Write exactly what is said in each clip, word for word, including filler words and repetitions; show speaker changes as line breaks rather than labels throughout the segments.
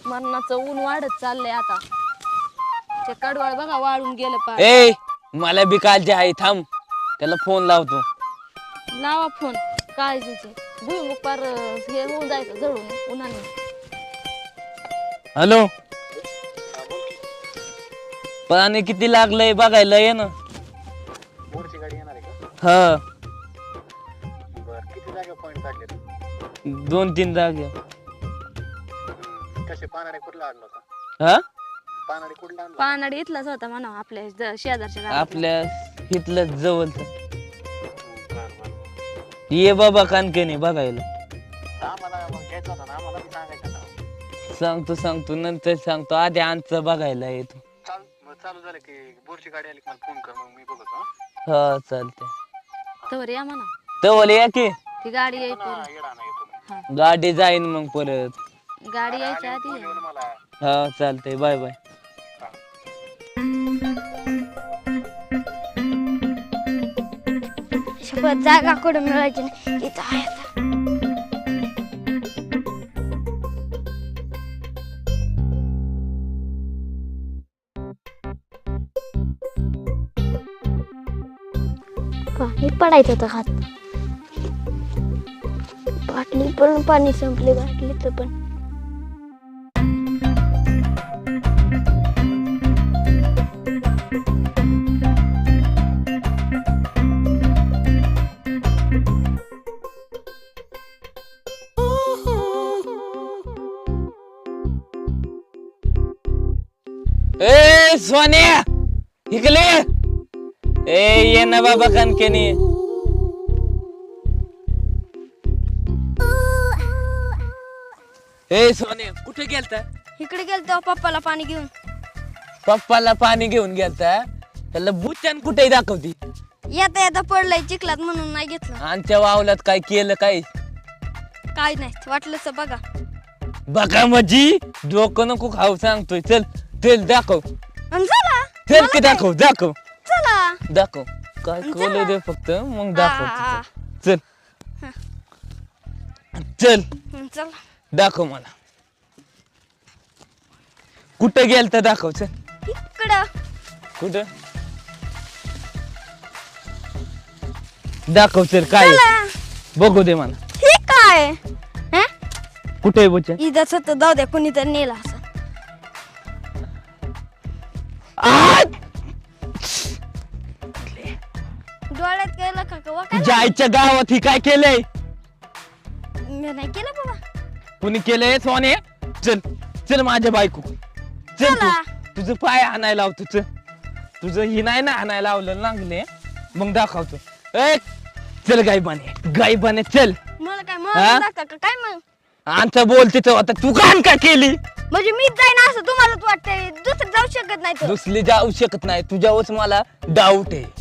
मरणाचं ऊन वाढत चाललंय आता. ते कडवाळ बघा वाळून गेलं पार.
ए मला बी काळजी आहे, थांब त्याला फोन लावतो.
लावा फोन. काळजीचे भुईमुग पार हे होऊन जायचं जळून उन्हाने.
हॅलो, पाणी किती लागलंय बघायला ये ना.
बोरची गाडी येणार आहे का?
हा,
बर किती जागा पॉइंट काढले?
दोन तीन जागे.
कसे पानाडे कुठला आणला होता?
हा,
पानाडे कुठला आणला?
पानाडी इथलाच होता म्हणा आपल्या ज- शेजारच्या गावात.
आपल्या इथलं जवळच.
बर बर.
ये बाबा कानकेने बघायला.
आम्हाला मग घ्यायचा होता ना, आम्हाला बी सांगायचं ना.
सांगतो सांगतो नंतर सांगतो, आधी आमचं बघायला येतो.
चाल मग चालू झालं की बोरची गाडी आली की मला फोन कर, मग मी बघतो.
हा चालतंय.
तवर या म्हणा.
तर या की
ती गाडी
हा
यायची.
येडा नाही येतो मी.
गाडी जाईन मग परत.
गाडी यायच्या
फोन
आधी
येऊन मला.
हा चालतंय, बाय बाय.
शपथ जागा कुठं मिळायची नाही, इथं आहे आता. पाणी पडायचं होतं हात. बाटली पण पाणी संपले, बाटलीचं पण.
ए सोन्या इकडे ए ये ना बाबा कानकेने. ए सोन्या कुठे गेलता?
इकडे गेलतो पप्पाला पाणी घेऊन.
पप्पाला पाणी घेऊन गेलता. त्याला बुचान कुठे दाखवती.
येता येता पडलंय चिखलात म्हणून नाही घेतलं.
आमच्या वावलात काय केलं काय?
काय नाही वाटलंच बघा.
बघा माझी डोकं नको खाऊ सांगतोय. चल चल दाखव.
अन चला
चल की दाखव दाखव
चला.
दाखव. काय कळलं दे फक्त मग दाखव.
आ,
चल चल
हं, चला.
दाखव मला. कुठं गेलता दाखव. चल
इकडं
कुठं दाखव. चल काय आहे?
चला.
बघू दे मला.
हे काय हं?
कुठे आहे बुचा?
इथंच होतं, जाऊ द्या कुणी तर नेला असं. डोळ्यात गेलं का का काय?
जायच्या गावात ही काय केलंय?
मी नाही केलं बाबा.
कुणी केलंय सोने? चल चल माझ्या बायको. चल तू.
चला.
तुझं पाय आणायला लावतो. चल तुझं ही नाही ना आणायला लावलं लागले मग दाखवतो. ए चल गायबाने गायबाने चल.
मला काय
हा?
मग का काय मग?
आमचं बोलते तर आता तू कान का केली?
म्हणजे मीच जाईन असं तुम्हालाच वाटतंय, दुसरं जाऊ शकत नाही तर.
दुसरी जाऊ शकत नाही. तुझ्यावरच मला डाऊट आहे.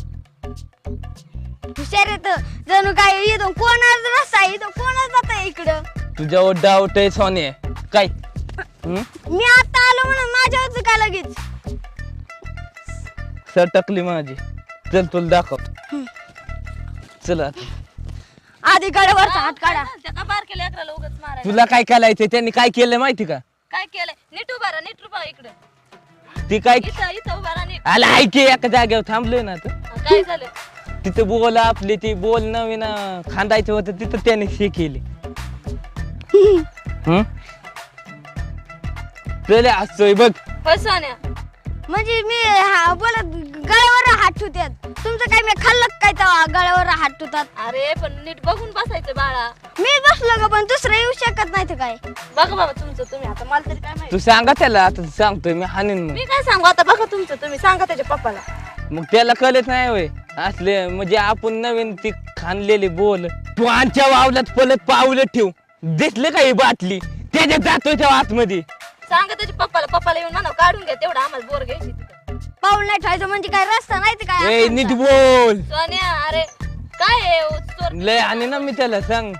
हुशार येत जणू काय इथून कोणाच रस्ता आहे, इथं कोणाच जात आहे इकडं.
तुझ्यावर डाऊट आहे सोने. काय हम्म?
मी आता आलो म्हणून माझ्यावरच काय लगेच.
सटकली माझी. चल तुला दाखव. चल आता.
आधी गडावरचा हात काढा.
त्या का बार केलं अकराला उगाच मारायला.
तुला काय करायचंय? त्यांनी काय केलं माहिती का?
काय केलंय? नीट उभा राहा, नीट उभा इकडे.
ती काय
इथं इथं उभा राहा नीट.
आला ऐके एका जागेवर थांबलोय ना आता.
हा, काय झालं?
तिथं बोल आपली ती बोल नवीन अं, खांदायचं होतं तिथं त्याने हे केली. हम्म? चल असतोय बघ.
होय सोन्या.
म्हणजे मी हा- बोलत गळ्यावर हात ठेवतात. तुमचं काय मी खाल्लं काय तेव्हा गळ्यावर हात ठेवतात.
अरे पण नीट बघून बसायचं बाळा.
मी बसलो ग पण दुसरं येऊ शकत नाही तर काय.
बघा बाबा तुमचं तुम्ही. आता मला तरी काय माहिती.
तू सांगा त्याला आता सांगतोय मी हानीन मग.
मी काय सांगू आता? बघा तुमचं तुम्ही सांगा त्याच्या पप्पाला.
मग त्याला कळत नाही होय असले म्हणजे आपण नवीन ती खाणलेली बोल. तू आमच्या वावलात पलत पावलं ठेव. दिसले का ही बाटली त्याच्यात जातोय त्या आतमध्ये.
सांगा त्याच्या पप्पाला. पप्पाला येऊन म्हणा काढून घ्या तेवढं आम्हाला बोर घ्यायची तिथं.
पाऊल नाही ठेवायचं म्हणजे काय रस्ता नाही तर काय
ए
असायचा.
नीट बोल.
सोन्या अरे काय आहे ओ, चोर.
लय आणि ना मी त्याला सांग.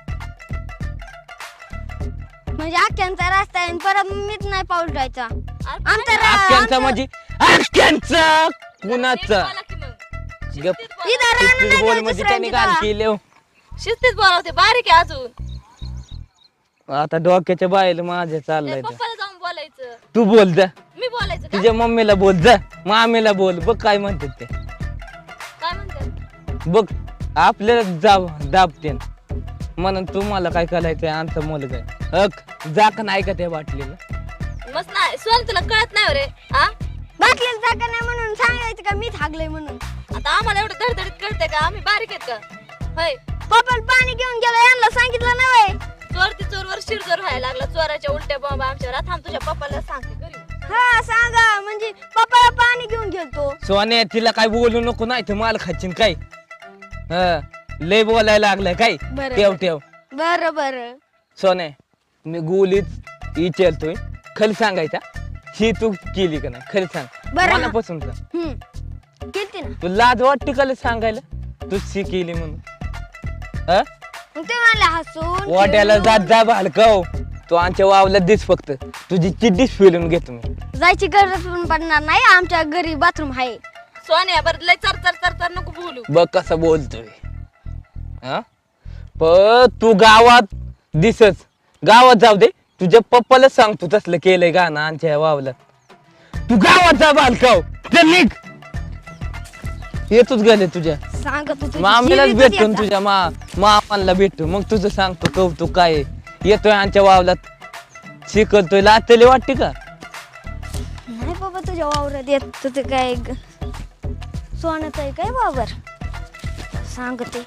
म्हणजे अख्ख्यांचा रस्ता आहे आणि परत मीच नाही पाऊल ठेवायचा.
अरे,
आमचा र-
आख्यांचा
आमचं-
म्हणजे आख्यांचा
नीट
कुणाचा
बोला की मग.
गप.
शिस्तीत बोला.
इथं राहणं
शिस्तीत
नाही
बोल
द्यायचं
म्हणजे त्याने
दुसऱ्यांची
काय
का?
केलं.
शिस्तीत बोलावते बारीक आहे अजून.
आता डोक्याच्या बाहेर माझ्या
त्या
चाललंय ते.
पप्पाला जाऊन बोलायचं.
तू बोल जा,
मी बोलायचं का?
तुझ्या मम्मीला बोल जा, मामीला बोल, बघ काय म्हणतात ते.
काय म्हणते?
बघ आपल्याला जाब दाबते म्हणून तुम्हाला काय करायचंय आमचा मुलगा आहे. अक जा का नाही का त्या बाटलीला.
मस्त नाही सोन, तुला कळत नाही हो रे. हा
बाटलीला जागा नाही म्हणून सांगायचं का मीच हागलंय म्हणून.
आता आम्हाला एवढं धडधडीत कळतंय का? आम्ही बारीक आहेत का? होय,
पप्पाला पाणी घेऊन गेलो यांना सांगितलं नाही.
चोर ती चोरवर शिरजोर व्हायला लागला. चोराच्या उलट्या बॉम्ब आमच्यावर. आता थांब तुझ्या पप्पाला सांगते घरी.
हा सांगा म्हणजे पप्पाला पाणी घेऊन गेलतो.
सोन्या तिला काय बोलू नको नाही तर माल खाचीन काय. हा लय बोलायला लागलाय काय.
बरं.
ठेव ठेव
बरं बरं.
सोन्या मी गोलीत विचारतोय, खरं सांगायचा ही तू केली का नाही खरं सांग.
बरं.
मनापासून सांग.
हम्म केलती ना.
तू लाज वाटते का सांगायला तू शी केली म्हणून. हा
मग ते मला हसून
वाट्याला
खेळून
जात जा भालकाव. तू आमच्या वावला दिस फक्त तुझी चिड्डीच फिरून घेतो मी.
जायची गरज पण पडणार नाही. आमच्या घरी बाथरूम आहे.
सोन्या बरं लय चर चर चर चर नको बोलू.
बघ कसं बोलतोय. हा पण तू गावात दिसच, गावात जाऊ दे तुझ्या पप्पाला सांगतो तसलं केलंय गाणं आमच्या वावला. तू गावात जा बालकाव, चल निघ. येतोच गेले तुझ्या
सांगत होतो
मामीलाच
जीवितच
भेटतो
याचा.
तुझ्या मा मामाला भेटतो मग तुझं सांगतो कौतुक काय आहे. येतोय आमच्या वावलात शिकवतोय लाचले वाटते का.
नाही बाबा तुझ्या वावरात येत तुझं काय ग- सोन्याचं आहे काय वावर सांगते.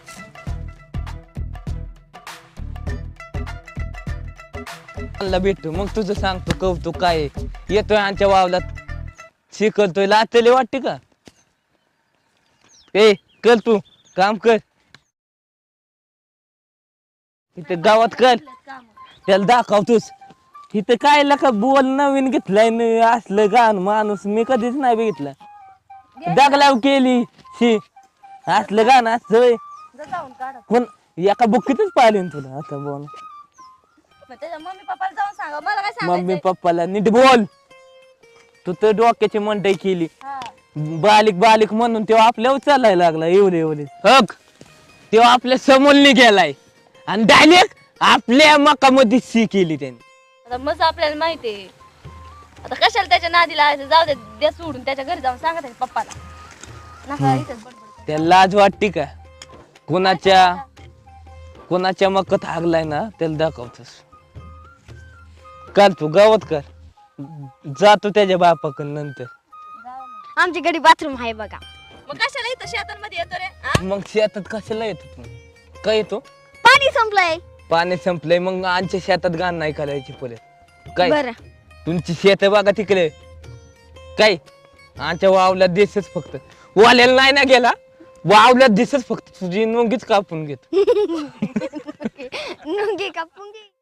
मला भेटतो मग तुझं सांगतो कौतुक काय आहे. येतोय आमच्या वावलात शिकवतोय लाचले वाटते का. ए कर तू काम कर इथे गावात कर, त्याला दाखवतोस. इथं काय लका बोल नवीन घेतलाय न असलं गाण माणूस मी कधीच नाही बघितलं. दगलाव केली शी असलं गाणं असं होय.
जाऊन काढ.
कोण एका बुक्कीतच पाहिले तुला आता बोल.
त्याच्या मम्मी पप्पाला जाऊन सांगा. मला काय
मम्मी
सांगायचं?
पप्पाला नीट बोल. तू तर डोक्याची मंडई केली बालिक बालिक म्हणून तेव्हा आपल्यावर चालायला लागला एवढे एवढे हक. तेव्हा आपल्या समोरने गेलाय आणि डायरेक्ट आपल्या मकामध्ये सी केली त्यांनी.
आता मस्त आपल्याला माहितीये. आता कशाला त्याच्या नादी लावायचं? जाऊ दे, दे सोडून त्याच्या घरी जाऊन सांगा त्याच्या पप्पाला. नका इथंच बडबड करू.
त्याला लाज वाटते का. कोणाच्या कोणाच्या मकत हागलाय ना त्याला दाखवतोस. कर तू गावात कर, जातो त्याच्या बापाकडे नंतर.
जाऊ मग.
आमच्या घरी बाथरूम आहे बघा.
मग कशाला इथं शेतांमध्ये येतो रे? हा?
मग शेतात कशाला येतो तू. काय येतो
पाणी संपलंय.
पाणी संपलंय मग आमच्या शेतात घाण नाही करायची परत काय.
बरं
तुमची शेत बघा तिकडे काय आमच्या वावल्यात दिसच फक्त वाल्याला नाही ना गेला वावल्यात दिसच फक्त तुझी नोंगीच कापून घेत.
नुंगी कापून घे.